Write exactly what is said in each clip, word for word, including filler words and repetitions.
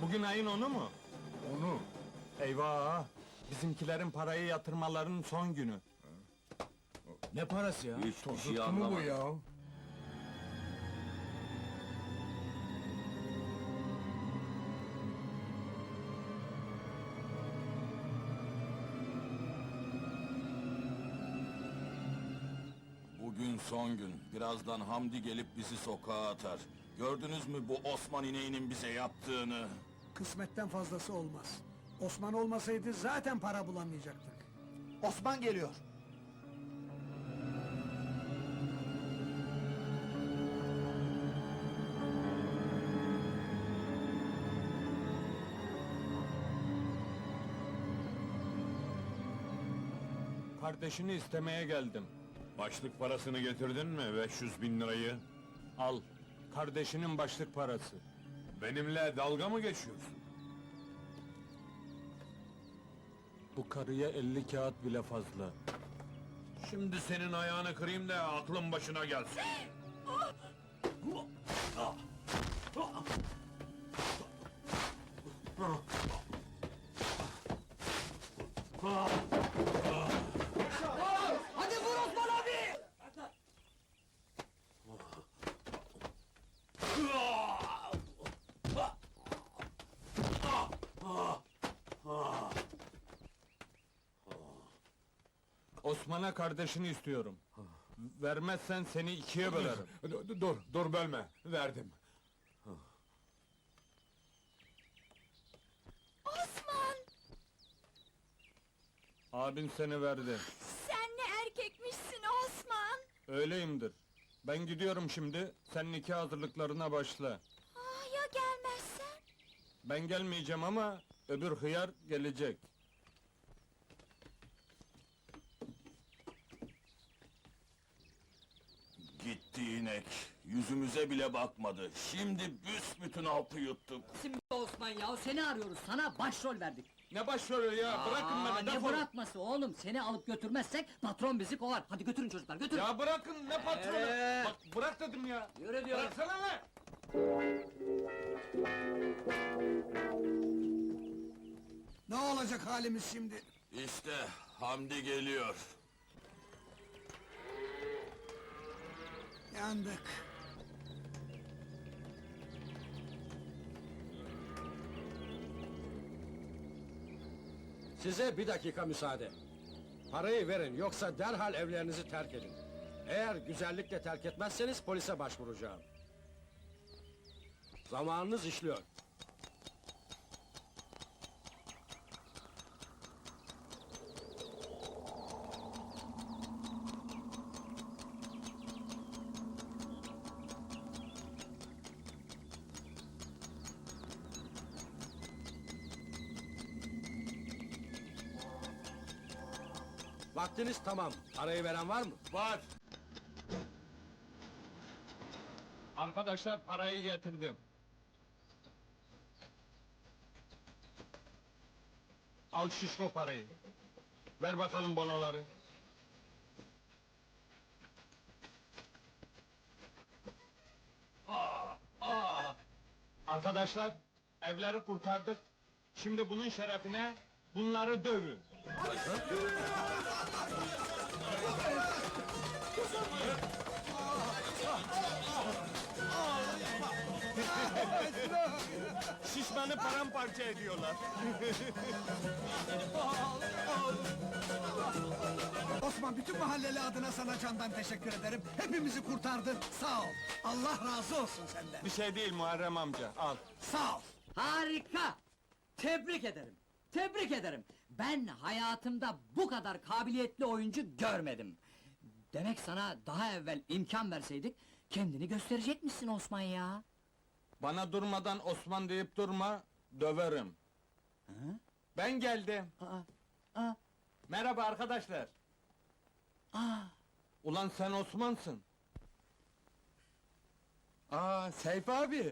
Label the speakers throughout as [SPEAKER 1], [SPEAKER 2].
[SPEAKER 1] Bugün ayın onu mu?
[SPEAKER 2] Onu.
[SPEAKER 1] Eyvah! Bizimkilerin parayı yatırmalarının son günü.
[SPEAKER 3] Ne parası ya?
[SPEAKER 4] Hiçbir şey
[SPEAKER 2] Tuttu mu bu
[SPEAKER 4] anlamadım.
[SPEAKER 2] ya?
[SPEAKER 4] Bugün son gün. Birazdan Hamdi gelip bizi sokağa atar. Gördünüz mü bu Osman ineğinin bize yaptığını?
[SPEAKER 5] Kısmetten fazlası olmaz. Osman olmasaydı zaten para bulamayacaktık.
[SPEAKER 3] Osman geliyor.
[SPEAKER 1] Kardeşini istemeye geldim.
[SPEAKER 6] Başlık parasını getirdin mi? beş yüz bin lirayı.
[SPEAKER 1] Al, kardeşinin başlık parası.
[SPEAKER 6] Benimle dalga mı geçiyorsun?
[SPEAKER 1] Bu karıya elli kağıt bile fazla.
[SPEAKER 6] Şimdi senin ayağını kırayım da aklın başına gelsin.
[SPEAKER 5] Hadi vur Osman abi!
[SPEAKER 1] Osman'a kardeşini istiyorum. Vermezsen seni ikiye bölerim.
[SPEAKER 6] Dur, dur, dur bölme. Verdim.
[SPEAKER 7] Osman!
[SPEAKER 1] Abin seni verdi.
[SPEAKER 7] Sen ne erkekmişsin Osman!
[SPEAKER 1] Öyleyimdir. Ben gidiyorum şimdi, sen nikah hazırlıklarına başla.
[SPEAKER 7] Ah, ya gelmezsen?
[SPEAKER 1] Ben gelmeyeceğim ama öbür hıyar gelecek.
[SPEAKER 4] Gitti inek. Yüzümüze bile bakmadı. Şimdi büsbütün hapı yuttuk.
[SPEAKER 8] Şimdi Osman ya, seni arıyoruz, sana başrol verdik.
[SPEAKER 1] Ne başrolü ya, bırakın
[SPEAKER 8] Aa,
[SPEAKER 1] beni,
[SPEAKER 8] ne
[SPEAKER 1] defolun!
[SPEAKER 8] bırakması oğlum, seni alıp götürmezsek patron bizi kovar. Hadi götürün çocuklar, götürün!
[SPEAKER 1] Ya bırakın, ne patronu?
[SPEAKER 8] Ee?
[SPEAKER 1] Bak, bırak dedim ya!
[SPEAKER 8] Yürü diyorum!
[SPEAKER 1] Bıraksana lan!
[SPEAKER 5] Ne olacak halimiz şimdi?
[SPEAKER 4] İşte Hamdi geliyor.
[SPEAKER 5] Yandık.
[SPEAKER 3] Size bir dakika müsaade. Parayı verin, yoksa derhal evlerinizi terk edin. Eğer güzellikle terk etmezseniz polise başvuracağım. Zamanınız işliyor. Vaktiniz tamam. Parayı veren var mı?
[SPEAKER 1] Var! Arkadaşlar, parayı getirdim. Al şişko parayı. Ver bakalım bonoları. Aa, aa! Arkadaşlar, evleri kurtardık. Şimdi bunun şerefine bunları dövün. Şişmanı paramparça ediyorlar.
[SPEAKER 5] Osman, bütün mahalleli adına sana candan teşekkür ederim. Hepimizi kurtardın, sağ ol. Allah razı olsun senden.
[SPEAKER 1] Bir şey değil Muharrem amca, al.
[SPEAKER 5] Sağ ol.
[SPEAKER 8] Harika! Tebrik ederim, tebrik ederim! Ben hayatımda bu kadar kabiliyetli oyuncu görmedim. Demek sana daha evvel imkan verseydik, kendini gösterecekmişsin Osman ya!
[SPEAKER 1] Bana durmadan Osman deyip durma, döverim. Ben geldim.
[SPEAKER 8] Aa, aa,
[SPEAKER 1] Merhaba arkadaşlar.
[SPEAKER 8] aa!
[SPEAKER 1] Ulan sen Osman'sın. Aa, Seyfi abi.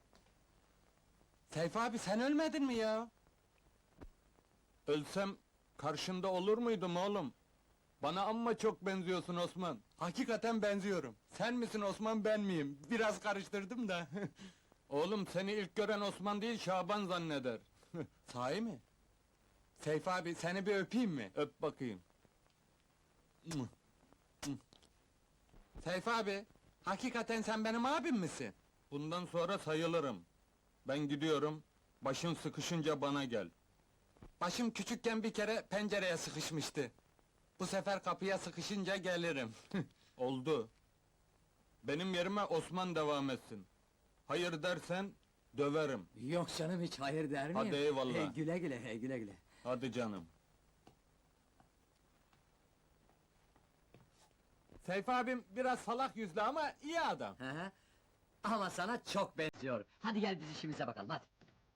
[SPEAKER 1] Seyfi abi, sen ölmedin mi ya? Ölsem karşında olur muydum oğlum? Bana amma çok benziyorsun Osman. Hakikaten benziyorum. Sen misin Osman, ben miyim? Biraz karıştırdım da. Oğlum seni ilk gören Osman değil Şaban zanneder.
[SPEAKER 2] Sahi mi? Seyfi abi seni bir öpeyim mi?
[SPEAKER 1] Öp bakayım.
[SPEAKER 2] Seyfi abi, hakikaten sen benim abim misin?
[SPEAKER 1] Bundan sonra sayılırım. Ben gidiyorum. Başın sıkışınca bana gel.
[SPEAKER 2] Başım küçükken bir kere pencereye sıkışmıştı. Bu sefer kapıya sıkışınca gelirim.
[SPEAKER 1] Oldu. Benim yerime Osman devam etsin. Hayır dersen döverim.
[SPEAKER 8] Yok canım, hiç hayır der miyim?
[SPEAKER 1] Hadi eyvallah.
[SPEAKER 8] Hey, güle güle, hey, güle güle.
[SPEAKER 1] Hadi canım.
[SPEAKER 2] Seyfi abim biraz salak yüzlü ama iyi adam.
[SPEAKER 8] Hı hı. Ama sana çok benziyor. Hadi gel biz işimize bakalım, hadi.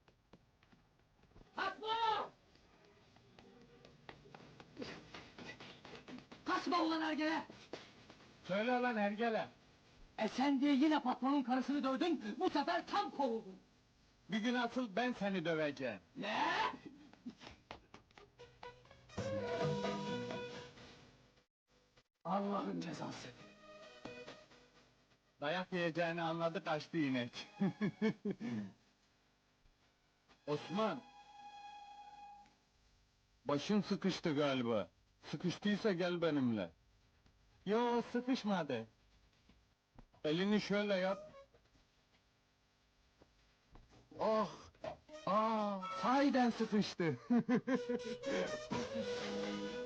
[SPEAKER 8] Kaçma! Kaçma ulan ergele!
[SPEAKER 1] Söyle lan Ergele.
[SPEAKER 8] E sen diye yine patronun karısını dövdün, bu sefer tam kovuldun.
[SPEAKER 1] Bir gün asıl ben seni döveceğim.
[SPEAKER 8] Ne? Allah'ın cezası!
[SPEAKER 1] Dayak yiyeceğini anladı kaçtı inek. Osman! Başın sıkıştı galiba. Sıkıştıysa gel benimle.
[SPEAKER 2] Yo sıkışmadı.
[SPEAKER 1] Elini şöyle yap.
[SPEAKER 2] Oh! Aa, sahiden sıkıştı.